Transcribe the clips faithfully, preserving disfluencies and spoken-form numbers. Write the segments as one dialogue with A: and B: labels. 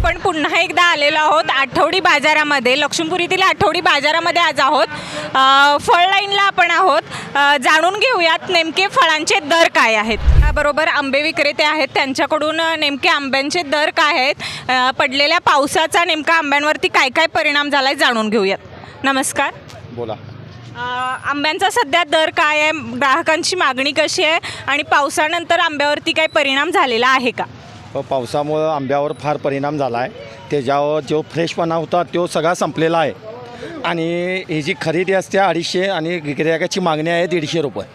A: आपण पुन्हा एकदा आलेलो आहोत आठवडी बाजारामध्ये, लक्ष्मीपुरीतील आठवडी बाजारामध्ये आज आहोत. अ, फळ लाईनला आपण आहोत. अ, जाणून घेऊयात नेमके फळांचे दर काय आहेत. बरोबर आंबे विक्रेते आहेत, त्यांच्याकडून नेमके आंब्यांचे दर काय आहेत, अ, पडलेल्या पावसाचा नेमका आंब्यांवरती काय काय परिणाम झाला आहे जाणून घेऊयात. नमस्कार.
B: बोला.
A: अ, आंब्यांचा सध्या दर काय आहे, ग्राहकांची मागणी कशी आहे आणि पावसानंतर आंब्यावरती काय परिणाम झालेला आहे का?
B: पावसामुळं आंब्यावर फार परिणाम झाला आहे. त्याच्यावर जो फ्रेशपणा होता तो सगळा संपलेला आहे आणि ही जी खरेदी असते अडीचशे आणि गिरायकाची मागणी आहे दीडशे रुपये.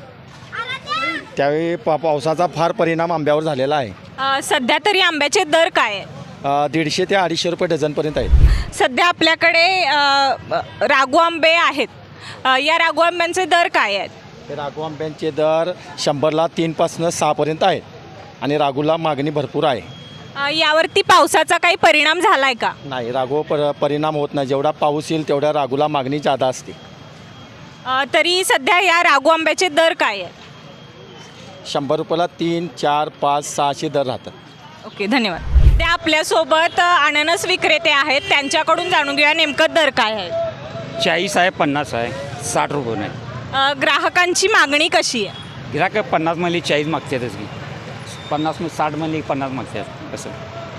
B: त्यावेळी पा पावसाचा फार परिणाम आंब्यावर झालेला आहे.
A: अ, सध्या तरी आंब्याचे दर काय आहे?
B: अ, दीडशे ते अडीचशे रुपये डझनपर्यंत आहेत.
A: सध्या आपल्याकडे अ, रागू आंबे आहेत. अ, या रागू आंब्यांचे दर काय आहेत?
B: हे राघू आंब्यांचे दर शंभरला तीनपासनं सहापर्यंत आहेत आणि राघूला मागणी भरपूर आहे.
A: अ, यावरती पावसाचा काही परिणाम झाला आहे का?
B: नाही, राघू पर परिणाम होत नाही. जेवढा पाऊस येईल तेवढ्या राघूला मागणी जादा असते.
A: अ, तरी सध्या या रागू आंब्याचे दर काय आहेत?
B: शंभर रुपयाला तीन चार पाच सहाशे दर राहतात.
A: ओके, धन्यवाद. त्या आपल्यासोबत अननस विक्रेते आहेत, त्यांच्याकडून जाणून घेऊया नेमकं दर काय आहे.
C: चाळीस आहे, पन्नास आहे, साठ रुपये नाही.
A: अ, ग्राहकांची मागणी कशी आहे?
C: गिराक पन्नास मध्ये चाळीस मागतातच की, पन्नास मध्ये साठ मध्ये पन्नास मागतात असं.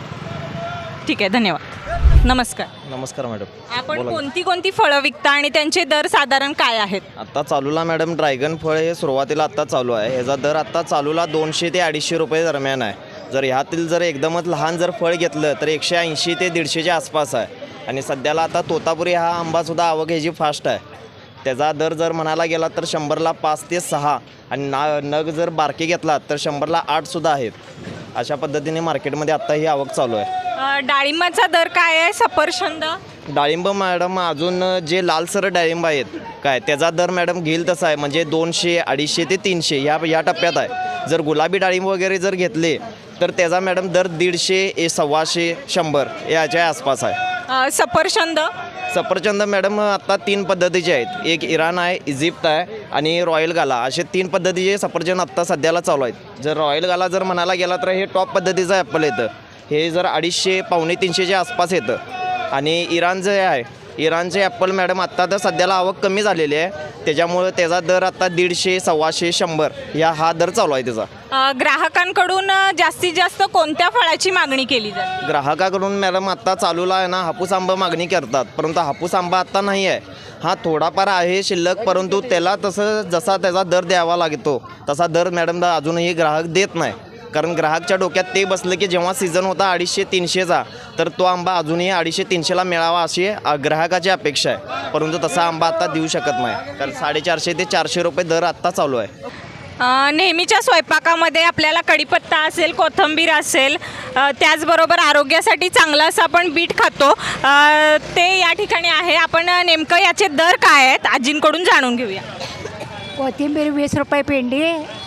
A: ठीक आहे, धन्यवाद. नमस्कार.
D: नमस्कार मॅडम.
A: आपण
D: बोला.
A: कोणती कोणती फळं विकता आणि त्यांचे दर साधारण काय आहेत?
D: आत्ता चालूला मॅडम ड्रॅगन फळ हे सुरुवातीला आत्ता चालू आहे. ह्याचा दर आत्ता चालूला दोनशे ते अडीचशे रुपये दरम्यान आहे. जर ह्यातील जर एकदमच लहान जर फळ घेतलं तर एकशे ऐंशी ते दीडशेच्या आसपास आहे. आणि सध्याला आता तोतापुरी हा आंबासुद्धा आवक ह्याची फास्ट आहे. त्याचा दर जर म्हणायला गेला तर शंभरला पाच ते सहा आणि ना नग जर बारके घेतला तर शंभरला आठसुद्धा आहेत. अशा पद्धतीने मार्केटमध्ये आत्ता ही आवक चालू आहे.
A: अ, डाळिंबाचा दर काय आहे? सफरचंद?
D: डाळिंब मॅडम अजून जे लालसर डाळिंब आहेत काय त्याचा दर मॅडम घेईल तसा आहे, म्हणजे दोनशे अडीचशे ते तीनशे ह्या या टप्प्यात आहे. जर गुलाबी डाळिंब वगैरे जर घेतले तर त्याचा मॅडम दर दीडशे ए सव्वाशे शंभर याच्या आसपास आहे.
A: अ, सफरचंद?
D: सफरचंद मॅडम आत्ता तीन पद्धतीचे आहेत. एक इराण आहे, इजिप्त आहे आणि रॉयल गाला असे तीन पद्धतीचे सफरचंद आत्ता सध्याला चालू आहेत. जर रॉयल गाला जर म्हणायला गेला तर हे टॉप पद्धतीचं ॲपल येतं. हे जर अडीचशे पावणे तीनशेच्या आसपास येतं. आणि इराण जे आहे इराणचे ॲपल मॅडम आत्ता तर सध्याला आवक कमी झालेली आहे, त्याच्यामुळं त्याचा दर आता दीडशे सव्वाशे शंभर या हा दर चालू आहे त्याचा.
A: अ, ग्राहकांकडून अ, जास्तीत जास्त कोणत्या फळाची मागणी केली जाते?
D: ग्राहकाकडून मॅडम आत्ता चालूला आहे ना हापूस आंबा मागणी करतात, परंतु हापूस आंबा आत्ता नाही आहे. हा थोडाफार आहे शिल्लक, परंतु त्याला तसं जसा त्याचा दर द्यावा लागतो तसा दर मॅडम अजूनही ग्राहक देत नाही. कारण ग्राहकच्या डोक्यात ते बसलं की जेव्हा सीझन होता अडीचशे तीनशेचा तर तो आंबा अजूनही अडीचशे तीनशेला मिळावा अशी ग्राहकाची अपेक्षा आहे. परंतु तसा आंबा आत्ता देऊ शकत नाही, कारण साडेचारशे ते चारशे रुपये दर आत्ता चालू आहे.
A: अ, नेहमीच्या स्वयंपाकामध्ये आपल्याला कढीपत्ता असेल, कोथिंबीर असेल, अ, त्याचबरोबर आरोग्यासाठी चांगलं असं आपण बीट खातो, अ, ते या ठिकाणी आहे. आपण नेमकं याचे दर काय आहेत आजींकडून जाणून घेऊया.
E: कोथिंबीर वीस रुपये पिंडी,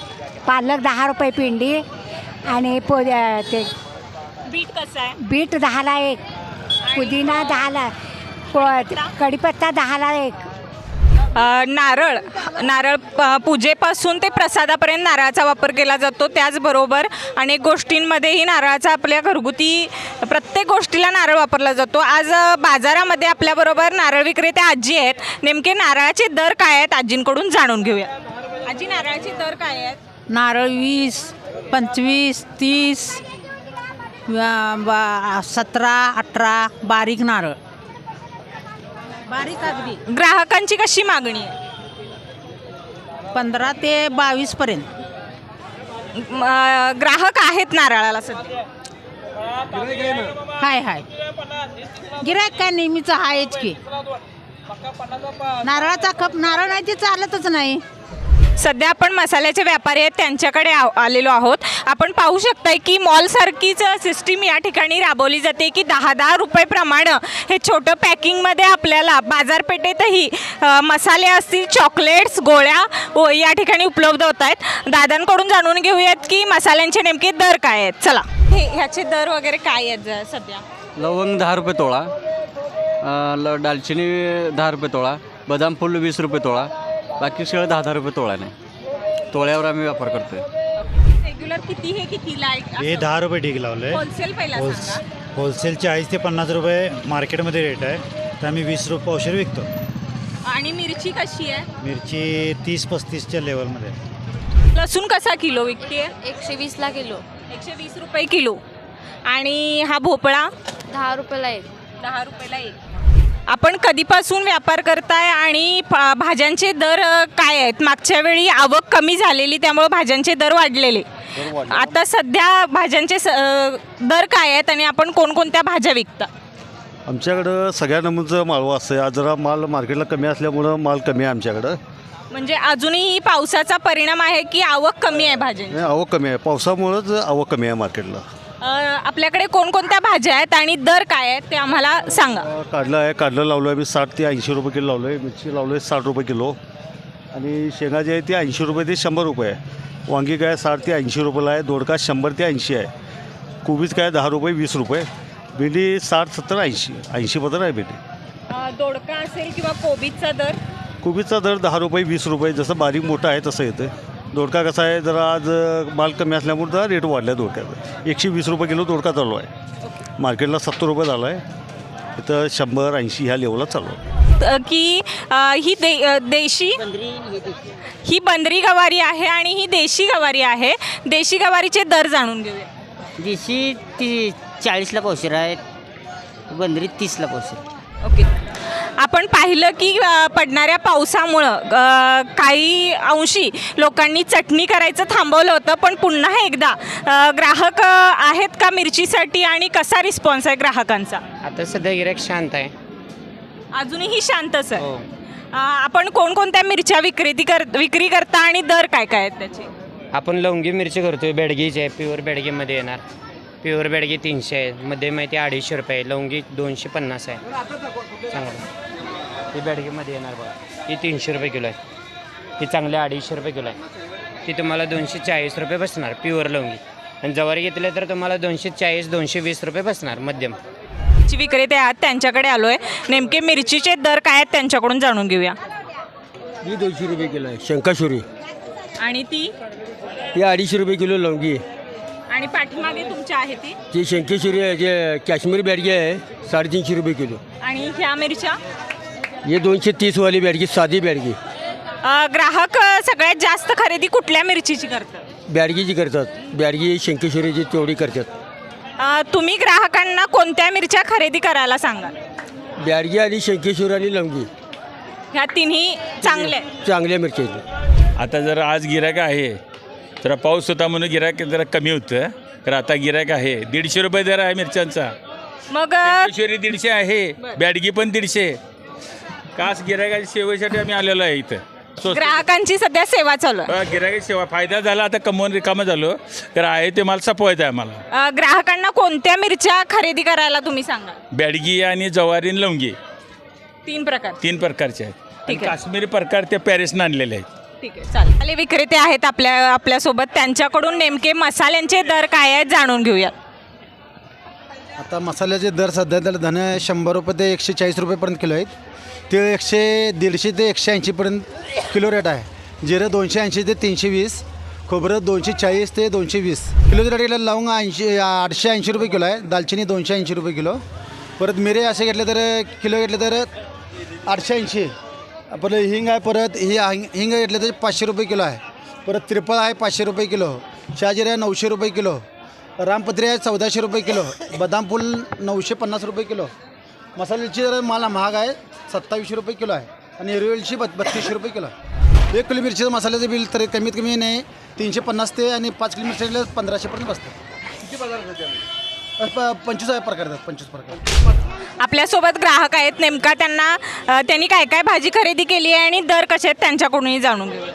E: पालक दहा रुपये पिंडी आणि पो ते
A: बीट कसं आहे?
E: बीट दहाला एक, पुदिना दहाला, प कढीपत्ता दहाला एक.
A: अ, नारळ नारळ प- पूजेपासून ते प्रसादापर्यंत नारळाचा वापर केला जातो. त्याचबरोबर अनेक गोष्टींमध्येही नारळाचा आपल्या घरगुती प्रत्येक गोष्टीला नारळ वापरला जातो. आज अ, बाजारामध्ये आपल्याबरोबर नारळ विक्रेते आजी आहेत. नेमके नारळाचे दर काय आहेत आजींकडून जाणून घेऊया. आजी, नारळाचे दर काय आहेत?
F: नारळ वीस, पंचवीस, तीस, वा- बा- सतरा, अठरा, बारीक नारळ, बारीक अगदी
A: ग्राहकांची कशी मागणी आहे?
F: पंधरा ते बावीस पर्यंत.
A: म, अ, ग्राहक आहेत नारळाला सध्या?
F: हाय हाय गिऱ्हाईक काय नेहमीचं आहेच की. नारळाचा कप नारळ नाही ते चालतच नाही.
A: सध्या आपण मसाल्याचे व्यापारी आहेत त्यांच्याकडे आ आलेलो आहोत. आपण पाहू शकताय की मॉलसारखीच सिस्टीम या ठिकाणी राबवली जाते की दहा दहा रुपये प्रमाणे हे छोटं पॅकिंगमध्ये आपल्याला बाजारपेठेतही अ, मसाले असतील, चॉकलेट्स, गोळ्या व या ठिकाणी उपलब्ध होत आहेत. दादांकडून जाणून घेऊयात की मसाल्यांचे नेमके दर काय आहेत. चला, हे ह्याचे दर वगैरे काय आहेत ज- सध्या?
G: लवंग दहा रुपये तोळा, अ, ल दालचिनी दहा रुपये तोळा, बदाम फुल वीस रुपये तोळा, बाकी सगळं दहा दहा रुपये तोळा नाही. तोळ्यावर आम्ही व्यापार करतोय.
A: रेग्युलर किती हे कितीला आहे?
H: हे दहा रुपये ठीक लावले.
A: होलसेल पहिला सांगा.
H: होलसेल चाळीस ते पन्नास रुपये मार्केटमध्ये रेट आहे, तर आम्ही वीस रुपये पावशेर विकतो.
A: आणि मिरची कशी आहे?
H: मिरची तीस पस्तीसच्या लेवलमध्ये.
A: लसूण कसा किलो विकते?
I: एकशे वीसला किलो.
A: एकशे वीस रुपये किलो. आणि हा भोपळा?
I: दहा रुपयाला एक.
A: दहा रुपयाला एक. आपण कधीपासून व्यापार करताय आणि फ- भाज्यांचे दर अ, काय आहेत? मागच्या वेळी आवक कमी झालेली त्यामुळे भाज्यांचे दर वाढलेले. आता सध्या भाज्यांचे स- अ, दर काय आहेत आणि आपण कोणकोणत्या भाज्या विकता?
B: आमच्याकडं सगळ्या नमूनचं माळवं असतं. आज जरा माल मार्केटला कमी असल्यामुळं माल कमी आहे आमच्याकडं.
A: म्हणजे अजूनही पावसाचा परिणाम आहे की आवक कमी आहे भाज्यांची?
B: नाही, आवक कमी आहे. पावसामुळंच आवक कमी आहे मार्केटला.
A: अ, आपल्याकडे कोणकोणत्या भाज्या आहेत आणि दर काय आहेत ते आम्हाला सांगा.
B: काढलं आहे काढलं लावलं आहे मी साठ ते ऐंशी रुपये किलो लावलं आहे. मिरची लावलं आहे साठ रुपये किलो. आणि शेंगा जे आहे ती ऐंशी रुपये ते शंभर रुपये आहे. वांगी काय साठ ते ऐंशी रुपयाला आहे. दोडका शंभर ते ऐंशी आहे. कोबीज काय दहा रुपये वीस रुपये. भेंडी साठ सत्तर ऐंशी ऐंशीपर्यंत आहे भेंडी.
A: अ, दोडका असेल किंवा कोबीजचा दर?
B: कोबीजचा दर दहा रुपये वीस रुपये, जसं बारीक मोठा आहे तसं येतं. दोडका कसा आहे, जरा आज माल कमी असल्यामुळे जरा रेट वाढला आहे दोडक्याचा. एकशे वीस रुपये किलो दोडका चालू आहे. मार्केटला सत्तर रुपये झाला आहे. इथं शंभर ऐंशी ह्या लेवलला चालू आहे.
A: त- की अ, ही दे अ, देशी ही बंदरी गवारी आहे आणि ही देशी गवारी आहे. देशी गवारीचे दर जाणून घेऊया.
J: देशी ती चाळीसला पावशेर आहे, बंदरी तीसला पावशेर.
A: ओके. आपण पाहिलं की अ, पडणाऱ्या पावसामुळं अ, काही अंशी लोकांनी चटणी करायचं थांबवलं होतं, पण पुन्हा एकदा अ, ग्राहक अ, आहेत का मिरचीसाठी आणि कसा रिस्पॉन्स आहे ग्राहकांचा?
J: आता सध्या गिराईक शांत आहे.
A: अजूनही शांतच आहे.
J: हो.
A: अ, आपण कोणकोणत्या मिरच्या विक्रेती कर विक्री करता आणि दर काय काय आहेत त्याचे?
J: आपण लवंगी मिरची करतोय, बेडगीची आहे, प्युअर बेडगीमध्ये येणार. प्युअर बेडगी तीनशे आहे, मध्ये माहिती अडीचशे रुपये आहे, लवंगी दोनशे पन्नास आहे. चांगलं ही बेडगीमध्ये येणार बघा, ही तीनशे रुपये किलो आहे. ही चांगली अडीचशे रुपये किलो आहे. ती तुम्हाला दोनशे चाळीस रुपये बसणार प्युअर लवंगी. आणि जवारी घेतले तर तुम्हाला दोनशे चाळीस दोनशे वीस रुपये बसणार मध्यम.
A: जी विक्रेते आहात त्यांच्याकडे आलो आहे. नेमके मिरचीचे दर काय आहेत त्यांच्याकडून जाणून घेऊया.
K: ही दोनशे रुपये किलो आहे शंकाशुरी.
A: आणि ती
K: ही अडीचशे रुपये किलो लवंगी आहे.
A: आणि पाठीमागे तुमच्या आहे ती?
K: ती शंकेश्वरी आहे, जे काश्मीरी बॅडगी आहे साडेतीनशे रुपये किलो.
A: आणि ह्या मिरच्या?
K: हे दोनशे तीसवाली बॅडगी साधी बॅडगी.
A: अ, ग्राहक अ, सगळ्यात जास्त खरेदी कुठल्या मिरचीची करतात?
K: बॅडगीची करतात, बॅडगी शंकेश्वरीची तेवढी करतात.
A: अ, तुम्ही ग्राहकांना कोणत्या मिरच्या खरेदी करायला सांगा?
K: बॅडगी आणि शंकेश्वरी आणि लवंगी
A: ह्या तिन्ही चांगल्या आहेत.
K: चांगल्या मिरच्या आहेत.
L: आता जर आज गिरायक आहे, जरा पाऊस होता म्हणून गिरायक जरा कमी होतं, तर आता गिरायक आहे. दीडशे रुपये दर आहे मिरच्यांचा.
A: मग अ,
L: किशोरी दीडशे आहे, बॅडगी पण दीडशे. कास गिरायकाच्या सेवेसाठी आम्ही आलेलो आहे इथं. स्वस्त
A: ग्राहकांची सध्या सेवा चालू आहे.
L: गिरायकाची सेवा फायदा झाला, आता कमवून रिकामं झालो, तर आहे ते मला सपवायचं आहे आम्हाला.
A: अ, ग्राहकांना कोणत्या मिरच्या खरेदी करायला तुम्ही सांगा?
L: बॅडगी आणि जवारी आणि लवंगी
A: तीन प्रकार.
L: तीन प्रकारचे आहेत.
A: ठीक आहे.
L: काश्मीरी प्रकार ते पॅरिसनं आणलेले आहेत.
A: ठीक आहे, चालेल. आले विक्रेते आहेत आपल्या आपल्यासोबत, त्यांच्याकडून नेमके मसाल्यांचे दर काय आहेत जाणून घेऊया.
M: आता मसाल्याचे दर सध्या तर धने शंभर रुपये ते एकशे चाळीस रुपयेपर्यंत किलो आहेत. ते एकशे दीडशे ते एकशे ऐंशीपर्यंत किलो रेट आहे. जिरं दोनशे ऐंशी ते तीनशे वीस, खोबरं दोनशे चाळीस ते दोनशे वीस किलोच्या रेटला. लवंग ऐंशी आठशे ऐंशी रुपये किलो आहे. दालचिनी दोनशे ऐंशी रुपये किलो. परत मिरे असे घेतले तर किलो घेतले तर आठशे ऐंशी. परत हिंग आहे, परत ही हिंग हिंग घेतले तर पाचशे रुपये किलो आहे. परत त्रिफळ आहे पाचशे रुपये किलो. शहाजिरे आहे नऊशे रुपये किलो. रामपत्री आहे चौदाशे रुपये किलो. बदाम फूल नऊशे पन्नास रुपये किलो. मसाल्याची जर मला महाग आहे सत्तावीसशे रुपये किलो आहे. आणि हिरवी वेलची बत बत्तीसशे रुपये किलो आहे. एक किलो मिरचीचं मसाल्याचं बिल तरी कमीत कमी नाही तीनशे पन्नास ते आणि पाच किलो मिरची पंधराशेपर्यंत बसतं. किती बाजार पंचवीस प्रकार आहेत, पंचवीस प्रकार.
A: आपल्यासोबत ग्राहक आहेत, नेमका त्यांना अ, त्यांनी काय काय भाजी खरेदी केली आहे आणि दर कसे आहेत त्यांच्याकडूनही जाणून घेऊया.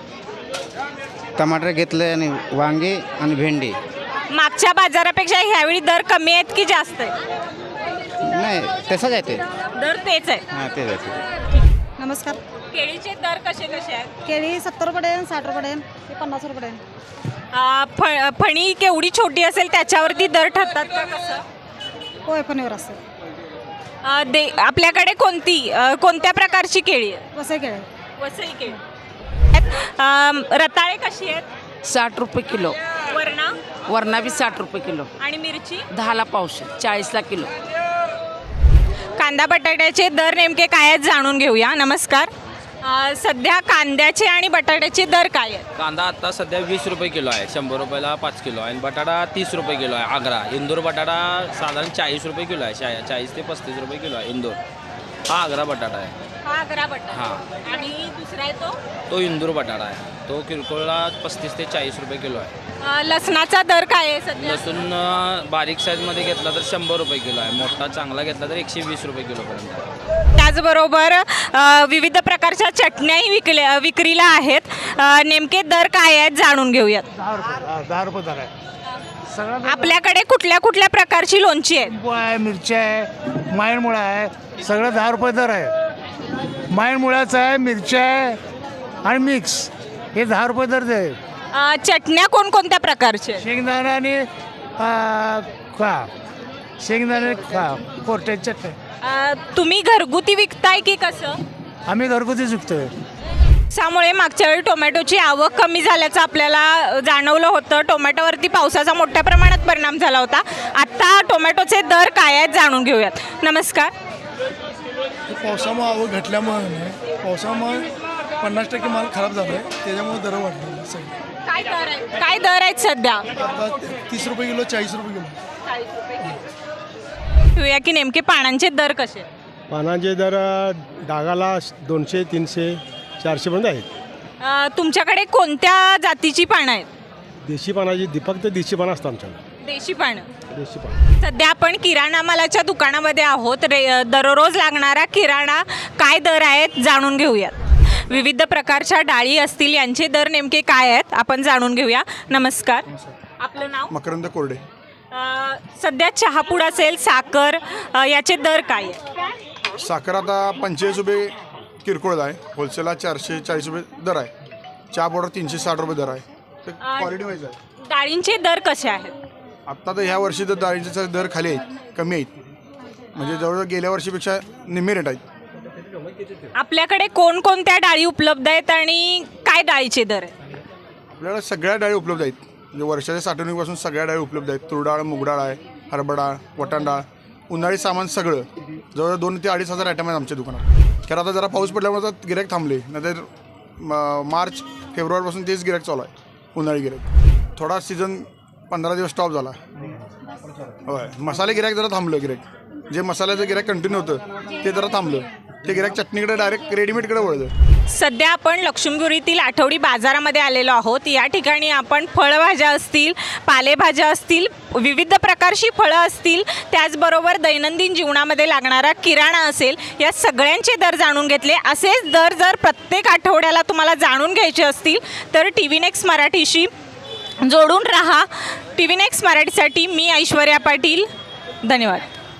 N: टमाटर घेतले आणि वांगे आणि भेंडी.
A: मागच्या बाजारापेक्षा ह्यावेळी दर कमी आहेत की जास्त आहेत?
N: नाही तसंच आहे ते.
A: दर तेच आहे.
N: हां तेच आहे.
F: नमस्कार.
A: केळीचे दर कसे कसे आहेत?
F: केळी सत्तर रुपये आहे, साठ रुपये आहे, ते पन्नास रुपये आहे.
A: अ, फ फणी केवढी छोटी असेल त्याच्यावरती दर ठरतात का कसं?
F: होय फणीवर असते.
A: अ, दे आपल्याकडे कोणती अ, कोणत्या प्रकारची केळी आहे?
F: वसई केळी.
A: वसई केळी. अ, रताळे कशी आहेत?
F: साठ रुपये किलो.
A: वरणा? वरणा
F: वरणा बी साठ रुपये किलो
A: आणि मिरची
F: दहाला पावशे चाळीसला किलो.
A: कांदा बटाट्याचे दर नेमके काय आहेत जाणून घेऊया. नमस्कार. अ, सध्या कांद्याचे आणि बटाट्याचे दर काय आहेत?
O: कांदा आत्ता सध्या वीस रुपये किलो आहे, शंभर रुपयाला पाच किलो आहे. आणि बटाटा तीस रुपये किलो आहे आग्रा. इंदूर बटाटा साधारण चाळीस रुपये किलो आहे, शा चाळीस ते पस्तीस रुपये किलो आहे इंदूर. हा आग्रा बटाटा आहे.
A: हा आग्रा बटाटा.
O: हां.
A: आणि दुसरा आहे तो
O: तो इंदूर बटाटा आहे, तो किरकोळला पस्तीस ते चाळीस रुपये किलो आहे.
A: अ, लसणाचा दर काय आहे सध्या?
O: लसूण अं, बारीक साईजमध्ये घेतला तर शंभर रुपये किलो आहे, मोठा चांगला घेतला तर एकशे वीस रुपये किलोपर्यंत आहे.
A: त्याचबरोबर अ, विविध प्रकारच्या चटण्याही विकल्या विक्रीला आहेत. अ, नेमके दर काय आहेत जाणून घेऊयात.
H: दहा रुपये दहा रुपये दर आहे सगळं.
A: आपल्याकडे कुठल्या कुठल्या प्रकारची लोणची आहेत?
H: लिंबू आहे, मिरची आहे, मायणमुळा आहे, सगळं दहा रुपये दर आहे. मायणमुळ्याचं आहे, मिरची आहे आणि मिक्स हे दहा रुपये दर आहे.
A: अ, चटण्या कोणकोणत्या प्रकारच्या आहेत?
H: शेंगदाणा आणि आ, खा शेंगदाणे खा कोरट्याची चटणी
A: अ, तुम्ही घरगुती विकताय की कसं?
H: आम्ही घरगुतीच विकतोय.
A: त्यामुळे मागच्या वेळी टोमॅटोची आवक कमी झाल्याचं आपल्याला जाणवलं होतं. टोमॅटोवरती पावसाचा मोठ्या प्रमाणात परिणाम झाला होता. आत्ता टोमॅटोचे दर काय आहेत जाणून घेऊयात. नमस्कार.
M: पावसामुळे आवक घटल्यामुळे पावसामुळे पन्नास टक्के माल खराब झाला आहे, त्याच्यामुळे दर वाढले सगळे.
A: काय दर आहेत काय दर आहेत सध्या?
M: आता तीस रुपये किलो, चाळीस रुपये किलो.
A: घेऊया की नेमके पानांचे दर कसे?
K: पानांचे दर डागाला दोनशे तीनशे चारशेपर्यंत आहेत.
A: अ, तुमच्याकडे कोणत्या जातीची पानं आहेत?
K: देशी पानाची दीपक तर देशी पानं असतात आमच्याकडे.
A: देशी पानं.
K: देशी पानं
A: सध्या आपण किराणा मालाच्या दुकानामध्ये आहोत. रे दररोज लागणारा किराणा काय दर आहेत जाणून घेऊयात. विविध प्रकारच्या डाळी असतील, यांचे दर नेमके काय आहेत आपण जाणून घेऊया. नमस्कार. आपलं नाव?
M: मकरंद कोरडे.
A: अ, सध्या चहापूड असेल, साखर, अ, याचे दर काय आहेत?
M: साखर आता पंचेचाळीस रुपये किरकोळ आहे, होलसेलला चारशे चाळीस रुपये दर आहे. चहा पावडर तीनशे साठ रुपये दर आहे. ते क्वालिटी वाईज आहे.
A: डाळींचे दर कसे आहेत?
M: आत्ता तर ह्या वर्षी तर डाळींचे दर खाली आहेत, कमी आहेत, म्हणजे जवळजवळ गेल्या वर्षीपेक्षा निम्मे रेट आहेत.
A: आपल्याकडे कोणकोणत्या डाळी उपलब्ध आहेत आणि काय डाळीचे दर आहेत?
M: आपल्याला सगळ्या डाळी उपलब्ध आहेत, म्हणजे वर्षाच्या साठवणुकीपासून सगळ्या डाळी उपलब्ध आहेत. तूर डाळ, मूग डाळ आहे, हरभरा डाळ, वटाण डाळ, उन्हाळी सामान सगळं जवळजवळ दोन ते अडीच हजार आयटम आहेत आमच्या दुकानात. कारण आता जरा पाऊस पडल्यामुळे आता गिऱ्हाईक थांबले, नाहीतर मार्च फेब्रुवारीपासून तेच गिऱ्हाईक चालू आहे, उन्हाळी गिऱ्हाईक. थोडा सीझन पंधरा दिवस स्टॉप झाला. होय, मसाले गिऱ्हाईक जरा थांबलं. गिऱ्हाईक जे मसाल्याचं गिऱ्हाईक कंटिन्यू होतं ते जरा थांबलं. ते गिऱ्हाईक चटणीकडे डायरेक्ट रेडीमेडकडे वळलं.
A: सध्या आपण लक्ष्मीपुरीतील आठवडी बाजारामध्ये आलेलो आहोत. या ठिकाणी आपण फळभाज्या असतील, पालेभाज्या असतील, विविध प्रकारची फळं असतील, त्याचबरोबर दैनंदिन जीवनामध्ये लागणारा किराणा असेल, या सगळ्यांचे दर जाणून घेतले. असेच दर जर प्रत्येक आठवड्याला तुम्हाला जाणून घ्यायचे असतील तर टी व्ही नेक्स्ट मराठीशी जोडून राहा. टी व्ही नेक्स्ट मराठीसाठी मी ऐश्वर्या पाटील. धन्यवाद.